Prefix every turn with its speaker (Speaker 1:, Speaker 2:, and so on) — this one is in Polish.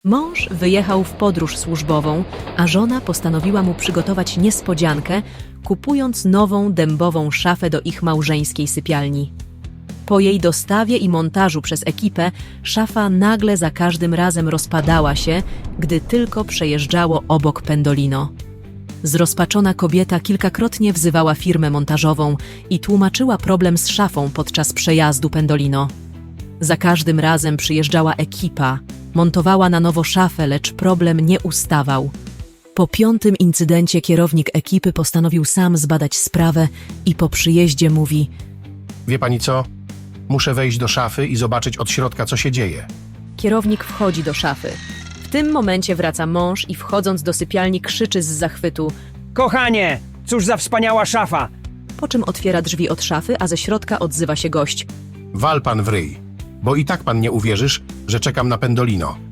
Speaker 1: Mąż wyjechał w podróż służbową, a żona postanowiła mu przygotować niespodziankę, kupując nową dębową szafę do ich małżeńskiej sypialni. Po jej dostawie i montażu przez ekipę, szafa nagle za każdym razem rozpadała się, gdy tylko przejeżdżało obok Pendolino. Zrozpaczona kobieta kilkakrotnie wzywała firmę montażową i tłumaczyła problem z szafą podczas przejazdu Pendolino. Za każdym razem przyjeżdżała ekipa, montowała na nowo szafę, lecz problem nie ustawał. Po 5. incydencie kierownik ekipy postanowił sam zbadać sprawę i po przyjeździe mówi:
Speaker 2: Wie pani co? Muszę wejść do szafy i zobaczyć od środka, co się dzieje.
Speaker 1: Kierownik wchodzi do szafy. W tym momencie wraca mąż i wchodząc do sypialni krzyczy z zachwytu,
Speaker 3: Kochanie, cóż za wspaniała szafa!
Speaker 1: po czym otwiera drzwi od szafy, a ze środka odzywa się gość.
Speaker 2: Wal pan w ryj, bo i tak pan nie uwierzysz, że czekam na Pendolino.